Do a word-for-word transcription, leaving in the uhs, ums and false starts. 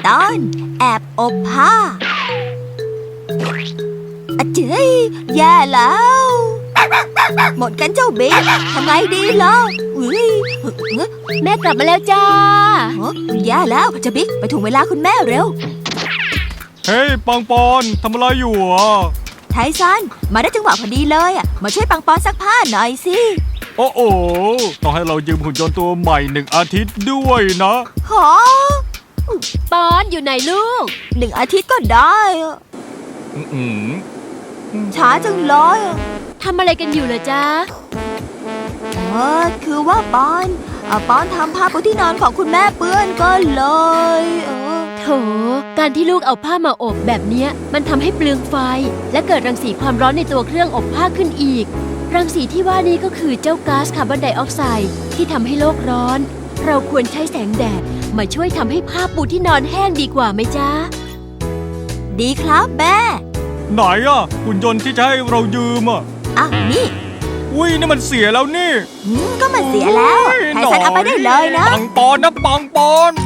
ตอนแอบอบผ้าอะเจ๊ยแย่แล้วหมดกันเจ้าบิ๊กทำไงดีล่ะอุ้ยแม่กลับมาแล้วจ้าแย่แล้วเจ้าบิ๊กไปถึงเวลาคุณแม่เร็วเฮ้ยปังปอนทำอะไรอยู่อ่ะไทซันมาได้จังหวะพอดีเลยอ่ะมาช่วยปังปอนซักผ้าหน่อยสิโอ้โหต้องให้เรายืมหุ่นยนต์ตัวใหม่หนึ่งอาทิตย์ด้วยนะหอปอนอยู่ไหนลูกหนึ่งอาทิตย์ก็ได้อะอืมช้าจังเลยอะทำอะไรกันอยู่เหรอจ๊ะเออคือว่าปอนอ่ะปอนทำผ้าปูที่นอนของคุณแม่เปื้อนก็เลยเออโถ การที่ลูกเอาผ้ามาอบแบบเนี้ยมันทำให้เปลืองไฟ และเกิดรังสีความร้อนในตัวเครื่องอบผ้าขึ้นอีก รังสีที่ว่านี้ก็คือเจ้าก๊าซคาร์บอนไดออกไซด์ที่ทำให้โลกร้อน เราควรใช้แสงแดดมาช่วยทำให้ผ้าปูที่นอนแห้งดีกว่าไหมจ๊ะดีครับแม่ไหนอ่ะหุ่นยนต์ที่จะให้เรายืมอ่ะอ่ะนี่อุ้ยนี่มันเสียแล้วนี่อืมก็มันเสียแล้วไทซันเอาไปได้เลยนะปังปอนนะปังปอน